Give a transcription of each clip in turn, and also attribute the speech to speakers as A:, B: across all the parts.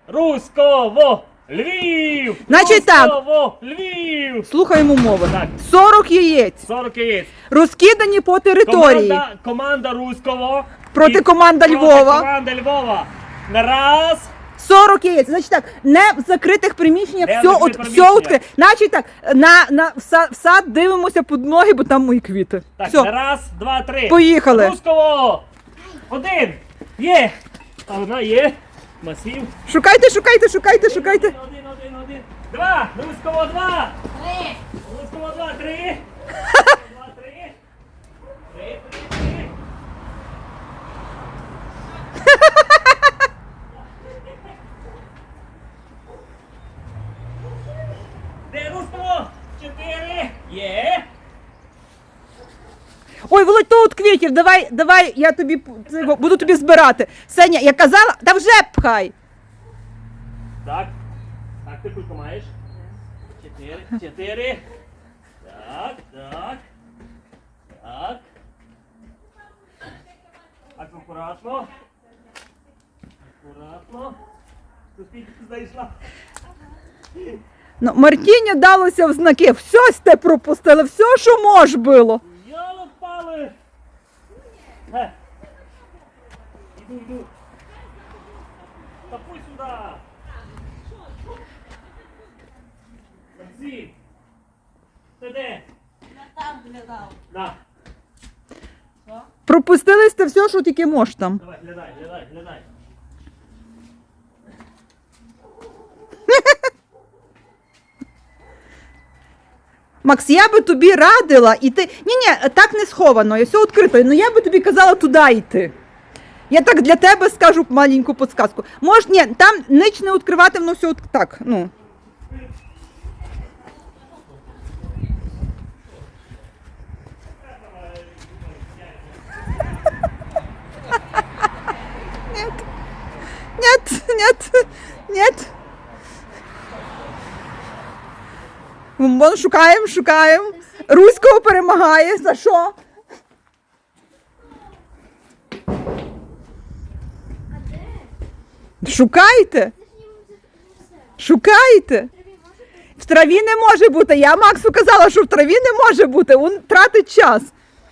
A: Руськово! Львів!
B: Значить так.
A: Руськово! Львів!
B: Слухаємо умови.
A: Так.
B: 40 яєць.
A: 40 яєць.
B: Розкидані по території.
A: Команда Руського.
B: Проти
A: і
B: команда Львова.
A: Проти команда Львова. На раз.
B: 40 яєць. Значить так, не в закритих приміщеннях,
A: Не в
B: все,
A: закритих
B: все
A: приміщеннях.
B: відкрите. Значить так, в сад дивимося під ноги, бо там мої квіти.
A: Так,
B: Все,
A: на раз, два, три.
B: поїхали.
A: Руського! Один. Є. Одна є. Масів.
B: Шукайте, шукайте, шукайте, шукайте.
A: Один. Два. Руського два. Руського два, три. Два, три. Три. Де Руського? Чотири. Є.
B: Ой, Володь, то от квітів, давай, я тобі буду тобі збирати. Сеня, я казала, та вже пхай.
A: Так. Так, ти кульку маєш? Чотири. Так. Так, акуратно. Тут скільки ти знайшла?
B: Ну, Мартіні далося в знаки, все сте пропустили, все, що мож було.
A: Йолок пали! Іду. Тапуй сюди! Максим! Ти де?
C: Я там глядав.
A: На,
B: Пропустили сте все, що тільки мож там.
A: давай, глядай.
B: Макс, я би тобі радила іти. Ні, так не сховано, все відкрито. Ну я би тобі казала туди йти. Я так для тебе скажу маленьку підсказку. Ні, там ніч не відкривати, воно все так, ну. Нет. Вон шукаємо. Руського перемагає. За що? Шукайте. В траві не може бути. Я Максу казала, що в траві не може бути. Він тратить час.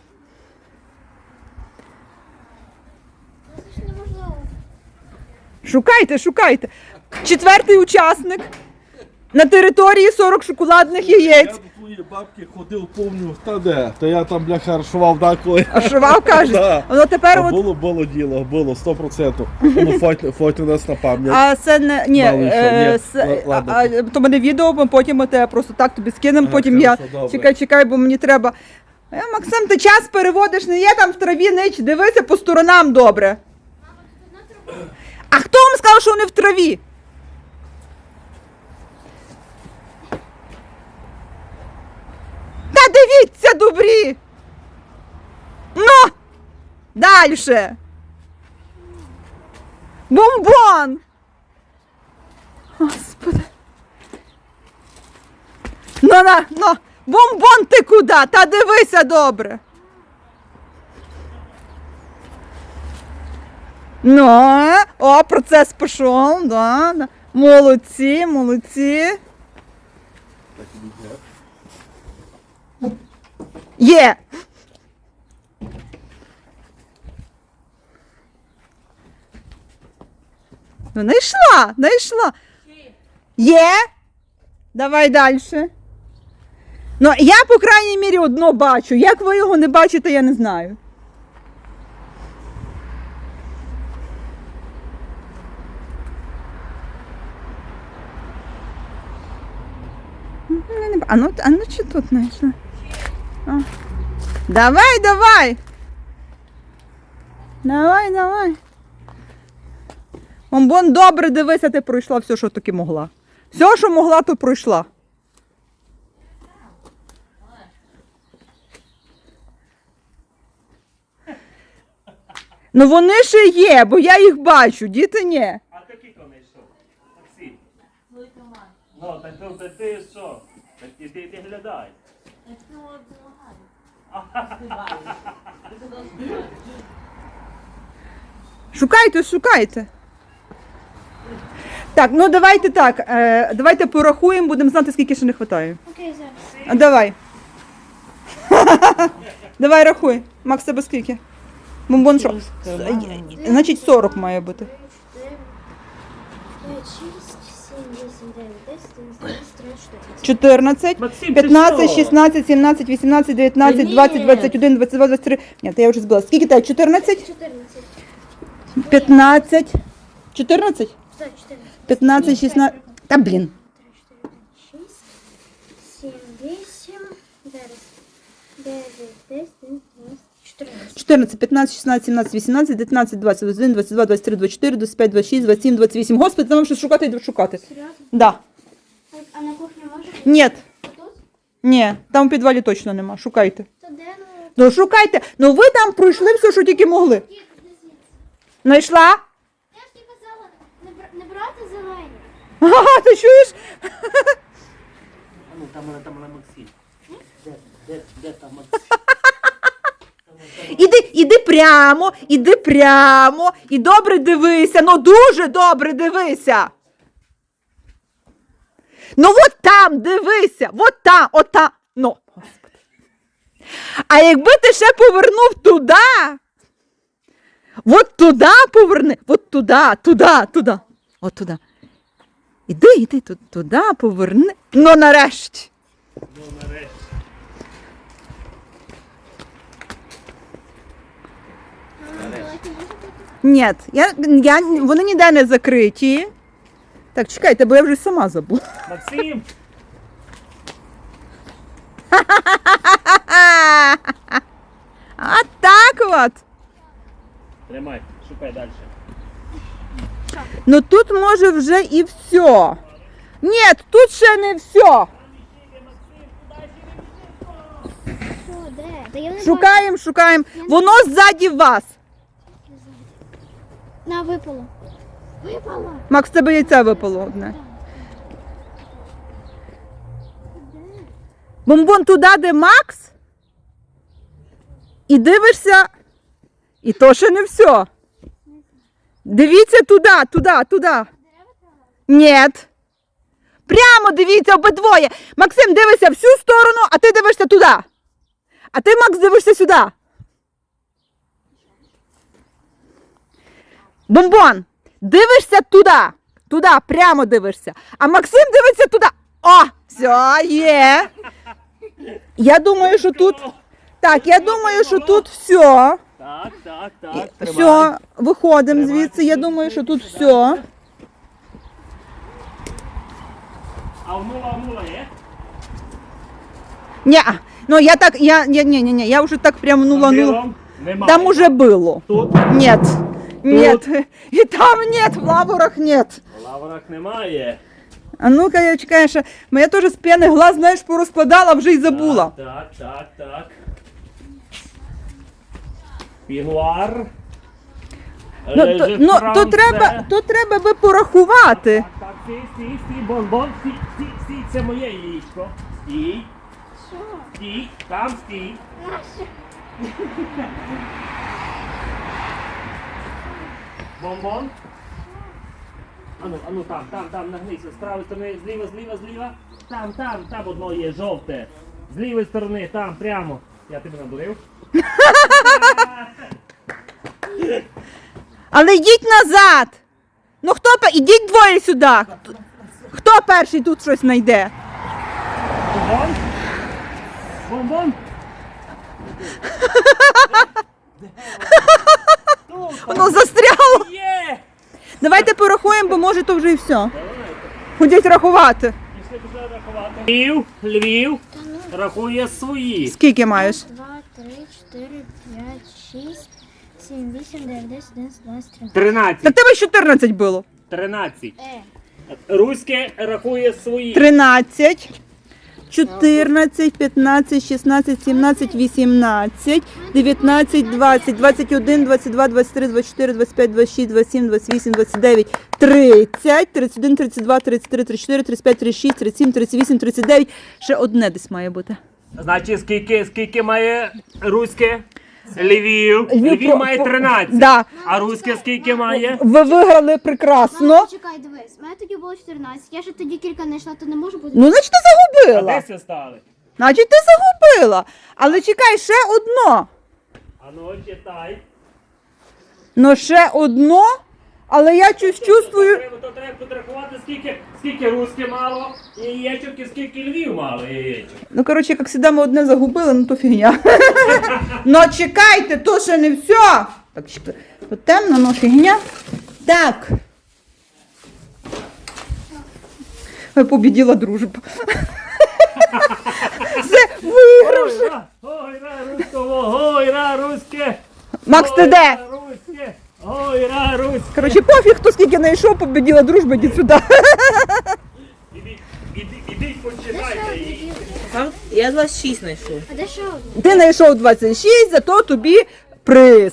C: Це ж неможливо.
B: Шукайте. Четвертий учасник. На території 40 шоколадних
D: Я
B: яєць.
D: до твоєї бабки ходив, помню, та де, то я там, бляха, ршував деколи.
B: А шував, каже.
D: Да.
B: Воно тепер от...
D: Було діло, 100%. Ну, фото у нас на пам'ять.
B: А це не... Ні,
D: Мало що, ні. Ладно.
B: то мене відео, ми потім те просто так тобі скинемо,
D: Ага,
B: потім я...
D: хорошо, добре.
B: Чекай, бо мені треба... Максим, ти час переводиш, не є там в траві нич, дивися по сторонам добре.
C: Мама, тут одна труба.
B: А хто вам сказав, що вони в траві? Та дивіться, добрі! Ну! Дальше! Бомбон! Господи! Ну! Бомбон ти куди? Та дивися добре! Ну, о, процес пішов, да. Молодці. Є! Ну, знайшла. Є? Давай далі. Ну, я, по крайній мірі, одно бачу. Як ви його не бачите, я не знаю. А ну чи тут знайшла? Давай. Давай. Бомбон, добре, дивися, ти пройшла все, що таки могла. Все, що могла, то пройшла. Ну вони ще є, бо я їх бачу, діти ні.
A: А ти кілько не йшов? Максим.
C: Твої команди.
A: Ну, так ти що? Так ти глядай.
C: Я цього допомагаю. Збиваю. Ти туди збиваєш.
B: Шукайте. Так, ну давайте так. Давайте порахуємо, будемо знати, скільки ще не вистачає.
C: Окей, зараз.
B: А давай. Давай рахуй. Макс, тебе скільки? Бомбон що? Значить 40 має бути.
C: 5, 6, 7, 8, 9, 10, 11, 12, 13, 14.
B: 14,
A: Максим,
B: 15,
A: ти що?
B: 16, 17, 18, 19,
A: Ні.
B: 20, 21, 22, 23. Ні, то я вже збила. Скільки тебе? 14?
C: 14.
B: 15. 14?
C: Так, 14.
B: 15, 16. Та блін.
C: 3, 4, 5, 6, 7, 8, зараз. 9, 10, 11, 14.
B: 14, 15, 16, 17, 18, 19, 20, 21, 22, 23, 24, 25, 26, 27, 28. Господи, там щось шукати і шукати.
C: Серйозно?
B: Да.
C: А на кухні може бути?
B: Ні,
C: Тут?
B: ні, там у підвалі точно нема. Шукайте.
C: То де, ну?
B: Ну шукайте. Ну ви там пройшли все, що тільки могли.
C: Дід, де звідси?
B: Знайшла?
C: Я ж тобі казала, не брати зелені.
B: Ага, ти чуєш?
A: А ну, там вона Максим. Де там Максим?
B: Іди прямо, і добре дивися, ну дуже добре дивися. Ну от там дивися, от там. Ну, Господи. А якби ти ще повернув туди, от туди поверни, от туди. От туди. Іди, туди поверни. Ну нарешті.
C: Давайте може бути?
B: Ні, вони ніде не закриті. Так, чекайте, бо я вже сама забула.
A: Максим!
B: А так от.
A: Тримай, шукай далі.
B: Ну тут може вже і все. Ні, тут ще не все.
C: Що, де? Та я не
B: Шукаємо. Воно ззаді вас.
C: бачу. На, випало. Випало.
B: Макс, в тебе яйце випало одне. Бомбон туди, де Макс. І дивишся. І то ще не все. Дивіться туди. Ні. Прямо дивіться обидвоє. Максим, дивися всю сторону, а ти дивишся туди. А ти, Макс, дивишся сюди. Бомбон, дивишся туди, прямо дивишся. А Максим дивиться туди. О, все, є. Я думаю, що тут... Так, я думаю, що тут все.
A: Так, тримай.
B: Все, виходимо звідси. Я думаю, що тут все.
A: А внула є?
B: Ні, ну я вже так прям нула.
A: Білом? Немає.
B: Там уже було.
A: Тут?
B: Нет. І там нет, в лаврах нет.
A: В лаврах немає.
B: А ну-ка, я чекаю, що я теж з п'яних глаз, знаєш, порозкладала, вже й забула.
A: Так. Пігуар.
B: То треба би порахувати.
A: Так, стій, бомбон, стій, це моє яєчко. Стій,
C: Що?
A: там стій.
C: Нащо?
A: Бомбон. Ану, там, нагнися, з правої сторони, зліва. Там одно є, жовте. З лівої сторони, там, прямо. Я тебе надурив.
B: Але йдіть назад. Ну ідіть двоє сюди. Хто перший тут щось знайде?
A: Бомбон.
B: Воно застряло.
A: Є!
B: Давайте порахуємо, бо може то вже і все. Ходіть рахувати.
A: Пішли рахувати. Львів рахує свої.
B: Скільки маєш?
C: 2, 3, 4, 5, 6, 7, 8, 9, 10, 11, 12, 13.
A: 13.
B: Так тебе 14 було.
A: 13. Руське рахує свої.
B: 13, 14, 15, 16, 17, 18, 19, 20, 21, 22, 23, 24, 25, 26, 27, 28, 29, 30, 31, 32, 33, 34, 35, 36, 37, 38, 39. Ще одне десь має бути.
A: Значить, скільки має руське? Львів. Львів
B: про-
A: має
B: по-
A: 13.
B: Да.
A: А Руське скільки має?
B: Ви виграли прекрасно.
C: Мама, чекай, дивись. У мене тоді було 14. Я ще тоді кілька не йшла, то не можу бути.
B: Ну, значить, ти
A: А
B: загубила.
A: де це стали?
B: Значить, ти загубила. Але чекай, ще одно.
A: А ну читай.
B: Ну, ще одно, але я щось чувствую.
A: То треба підрахувати, скільки Руське мало яєчок і скільки Львів мало яєчок.
B: Ну, коротше, як завжди, ми одне загубили, ну то фігня. Ну, чекайте, то ще не все. Так, то темно, ну фігня. Так. Ой, побіділа дружба. Все, виграв.
A: Ой, ра, Руського, ой, ра, Руське.
B: Макс, ти
A: Ой,
B: де?
A: ра, Руське, ой, ра, Руське.
B: Коротше, пофіг, хто скільки не йшов, побіділа дружба, йдіть сюди.
A: Ідіть, почитайте її.
E: Я 26 знайшов.
C: А де ще один?
B: Ти знайшов 26, зато тобі приз.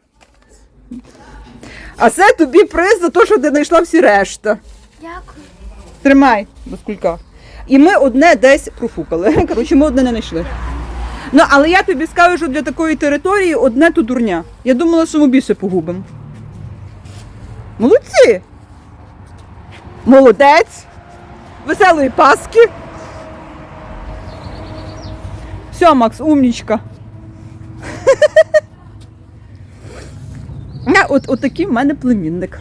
B: А це тобі приз за те, що ти знайшла всі решта.
C: Дякую.
B: Тримай до скулька. І ми одне десь профукали. Коротше, ми одне не знайшли. Ну, але я тобі скажу, що для такої території одне то дурня. Я думала, що ми більше погубимо. Молодці! Молодець! Веселої Паски! Все, Макс, умнічка. От такий в мене племінник.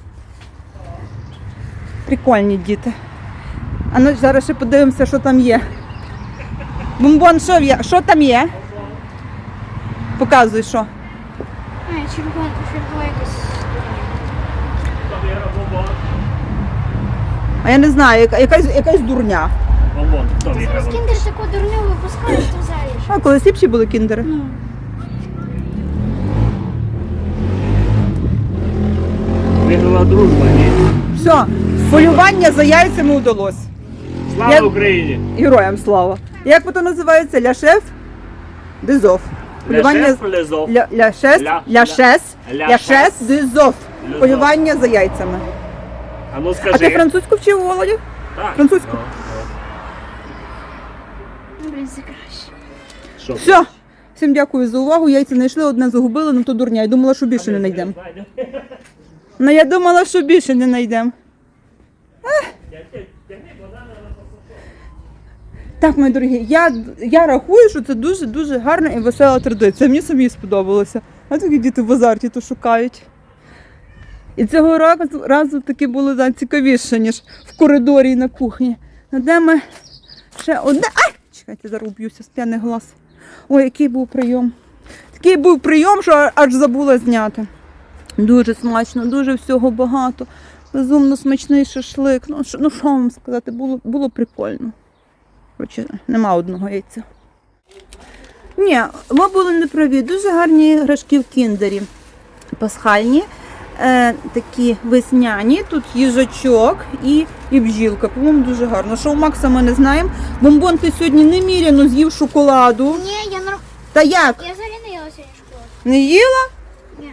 B: Прикольні діти. А ну зараз ще подивимося, що там є. Бомбон, що є? Що там є? Показуй, що.
C: А, червона якась.
B: А я не знаю, якась дурня.
A: Бомбон, хто
C: Зараз
A: виграв?
C: кіндер таку дурню випускають, то взагалі.
B: А колись ліпші були кіндери.
C: Ну.
A: Виграла дружба, ні?
B: Все, полювання за яйцями вдалося.
A: Слава
B: Я-
A: Україні!
B: Героям слава. Як воно називається? Ляшев дезов.
A: Ляшев, Лезов.
B: Ляшес,
A: Ля-
B: ляшес,
A: ля-
B: ляшес дезов.
A: Лезов.
B: Полювання за яйцями.
A: А ну
B: А
A: скажи.
B: ти французьку вчив, Володя?
A: Так.
B: французьку?
A: Ну,
C: Ну, блін, це краще.
A: Що?
B: Все. Всім дякую за увагу. Яйця знайшли, одне загубили, ну то дурня. Я думала, що більше не знайдемо. Ну я думала, що більше не знайдемо. Так, мої дорогі, я рахую, що це дуже-дуже гарна і весела традиція. Мені самі сподобалося. А такі діти в азарті то шукають. І цього разу таки було цікавіше, ніж в коридорі і на кухні. Ну, де ми ще одне. Ай! Чекайте, зараз уб'юся з п'яних глаз. Ой, який був прийом. Такий був прийом, що аж забула зняти. Дуже смачно, дуже всього багато. Безумно смачний шашлик. Ну що вам сказати, було прикольно. Коротше, нема одного яйця. Ні, ми були неправі. Дуже гарні іграшки в кіндері. Пасхальні, такі весняні. Тут їжачок і бджілка. По-моєму, дуже гарно. Що у Макса ми не знаємо. Бомбон, ти сьогодні неміряно з'їв шоколаду.
C: Ні, я
B: Та як?
C: Я взагалі не їла сьогодні шоколад.
B: Не їла?
C: Ні.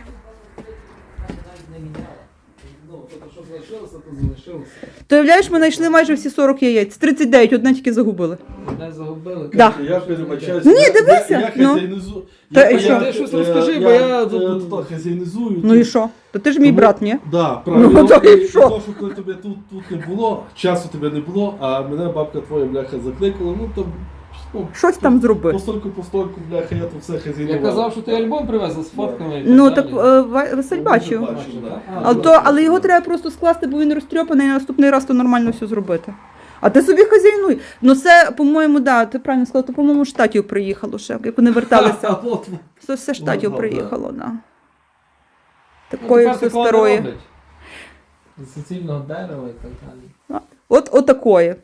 B: То уявляєш, ми знайшли майже всі 40 яєць. 39, одне тільки загубили.
E: Не загубили.
B: Да.
D: Я перебачаюся.
B: Ні, дивися,
D: Я
B: ну.
D: хазяйнизую.
B: Та і що?
E: Ти щось розкажи, бо я тут-
D: тут хазяйнизую.
B: Ну і що? То ти ж мій брат, ні?
D: Да, правильно.
B: Ну, то і
D: І
B: що?
D: то, що коли тебе тут не було, часу тебе не було, а мене бабка твоя, бляха, закликала, ну там... Ну,
B: Щось там зроби.
D: Постольку, бляха, я тут все хазяйнував.
E: Я казав, що ти альбом привезла з фотками. і
B: Ну
E: так
B: так
E: далі.
B: Василь бачив.
D: Бачив, да.
B: Але його треба просто скласти, бо він розтрьопаний, і на наступний раз то нормально все зробити. А ти собі хазяйнуй. Ну це, по-моєму, да, ти правильно сказала, то, по-моєму, штатів приїхало ще, як вони
D: А,
B: верталися.
D: от,
B: Це все штатів
D: да.
B: приїхало, да.
E: Ну,
B: Такої
E: тепер
B: все
E: такого не
B: старої.
E: роблять. З суцільного дерева і так далі.
B: От такої.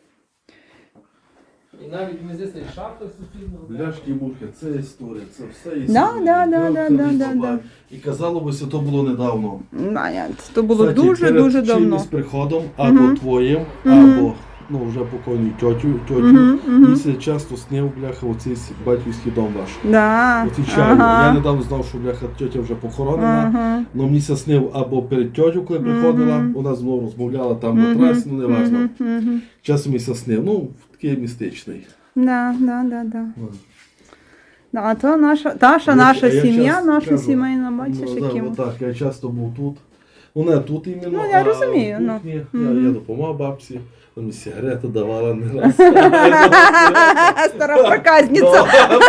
E: І навіть ми здесь і шапка з суцільного дерева.
D: Бляшки і мухи, це історія, це все
B: Да,
D: історія.
B: да.
D: І казало би, що то було недавно.
B: То було
D: Кстати,
B: дуже-дуже
D: перед
B: давно.
D: чимось приходом, або
B: Мгм.
D: твоїм,
B: Мгм.
D: або ну, вже покойній тьотю,
B: Мгм, мгм.
D: мені все часто снив, бляха, оцей батьківський дом ваш.
B: Да.
D: Отвічаю,
B: Ага.
D: я недавно знав, що бляха тьотя вже похоронена.
B: Ага.
D: Ну мені це снив або перед тьотю, коли приходила,
B: Мгм.
D: вона знову розмовляла там на трасі, ну не важно.
B: Мгм, мгм.
D: Часом мені це снив, ну такий містичний.
B: Да. А то наша
D: Я
B: сім'я,
D: часто
B: наша
D: кажу,
B: сімейна, бачиш,
D: да,
B: яким.
D: отак, я часто був тут. Вона тут іменно,
B: Ну, я
D: а
B: розумію,
D: в
B: ну.
D: кухні
B: Мгм.
D: я допомагав бабці, там і сигарети давала не раз.
B: Стара проказниця.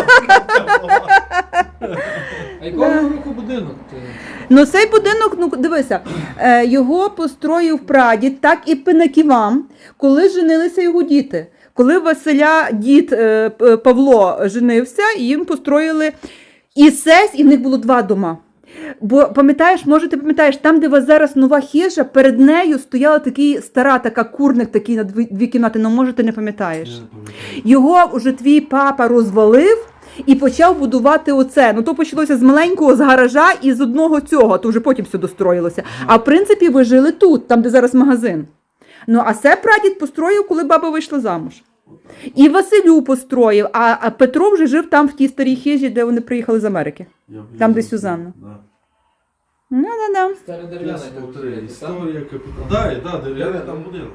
E: А якого року будинок?
B: Ну цей будинок, ну дивися, його построїв прадід, так і Пинаківам, коли женилися його діти. Коли Василя дід Павло женився, їм построїли і сесь, і в них було 2 дома. Бо пам'ятаєш, може ти пам'ятаєш, там, де у вас зараз нова хижа, перед нею стояла стара така курник такий на 2 кімнати, ну може ти не пам'ятаєш. Його вже твій папа розвалив і почав будувати оце. Ну то почалося з маленького, з гаража і з одного цього, то вже потім все достроїлося. А в принципі ви жили тут, там де зараз магазин. Ну а це прадід построїв, коли баба вийшла замуж. І Василю построїв, а Петро вже жив там в тій старій хижі, де вони приїхали з Америки. Там, де Сюзанна. Ну, да.
E: Старе дерев'яне.
D: Історія капітана. Так, дерев'яний там будинок.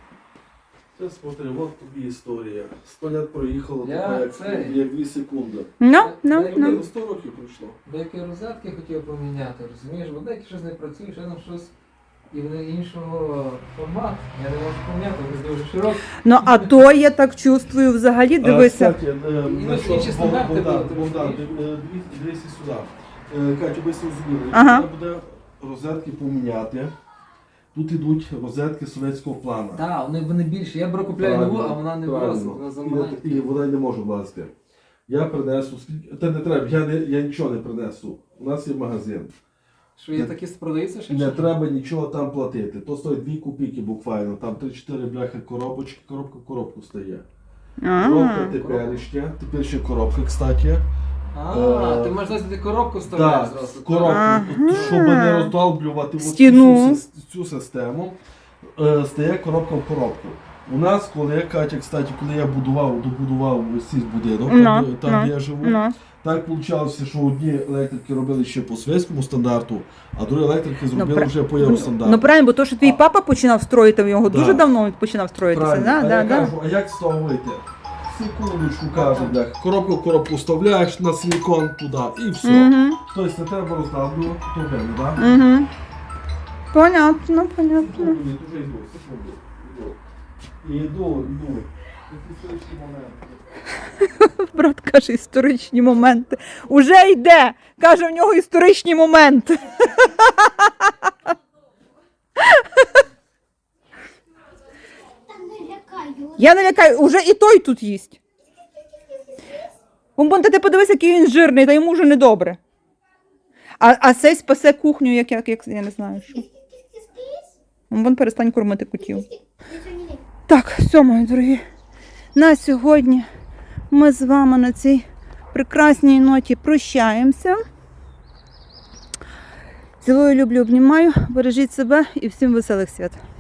D: Це смотри, от тобі історія. 100 лет проїхало,
E: Я
D: така,
E: це-
D: як 2 секунди.
B: Ну.
D: 100 років пройшло.
E: Деякі розетки хотів поміняти, розумієш? Бо деякі щось не працює, ще там щось. І вони іншого формату. Я не можу поміняти, вони дуже широкі.
B: Ну, а то я так чувствую взагалі, дивися.
D: Кстати,
E: інші стандарти
D: Богдан,
E: були,
D: Богдан,
E: ти
D: дивися сюди. Катю, ви зрозуміли,
B: Ага.
D: якщо треба буде розетки поміняти, тут ідуть розетки совєтського плану.
E: Так, вони більші. Я беру купляю нову, а вона не влазить, вона замаленька.
D: І вона не може влазити. Я принесу, та не треба, я нічого не принесу. У нас є магазин.
E: Що є такі продаються ще?
D: Не
E: чи?
D: треба нічого там платити. То стоїть 2 копійки буквально, там 3-4 бляха коробочки, коробка в коробку стає. Коробка теперішня, тепер ще коробка, кстати.
E: Ти можеш дати коробку вставляти
D: Так,
E: зразу.
D: коробку,
B: Ага.
D: щоб не роздолблювати
B: Стіну.
D: цю систему, стає коробка в коробку. У нас, коли я добудував цей будинок, там де я живу, так вийшло, що одні електрики робили ще по совєтському стандарту, а другі електрики зробили вже по євростандарту.
B: Ну правильно, бо то, що твій папа починав строїти, його дуже давно починав строїтися.
D: Правильно.
B: Да,
D: А я
B: да.
D: кажу, а як з того вийти? Секундочку, каже, бляха, коробку в коробку вставляєш на силікон туди і все.
B: Угу.
D: Тобто не треба роздавлювати, то вельми, так?
B: Угу. Понятно.
D: Секунду, ні, вже йду, секунду. Йду. Який історичний момент.
B: Брат каже, історичні моменти. Уже йде. Каже, в нього історичні моменти.
C: Та не лякай,
B: Я не лякаю, уже і той тут їсть. Бомбон, ти подивись, який він жирний, та йому вже недобре. А цей спасе кухню, як я не знаю що. Бомбон, перестань кормити котів. Так, все, мої дорогі. На сьогодні ми з вами на цій прекрасній ноті прощаємося. Цілую, люблю, обнімаю. Бережіть себе і всім веселих свят.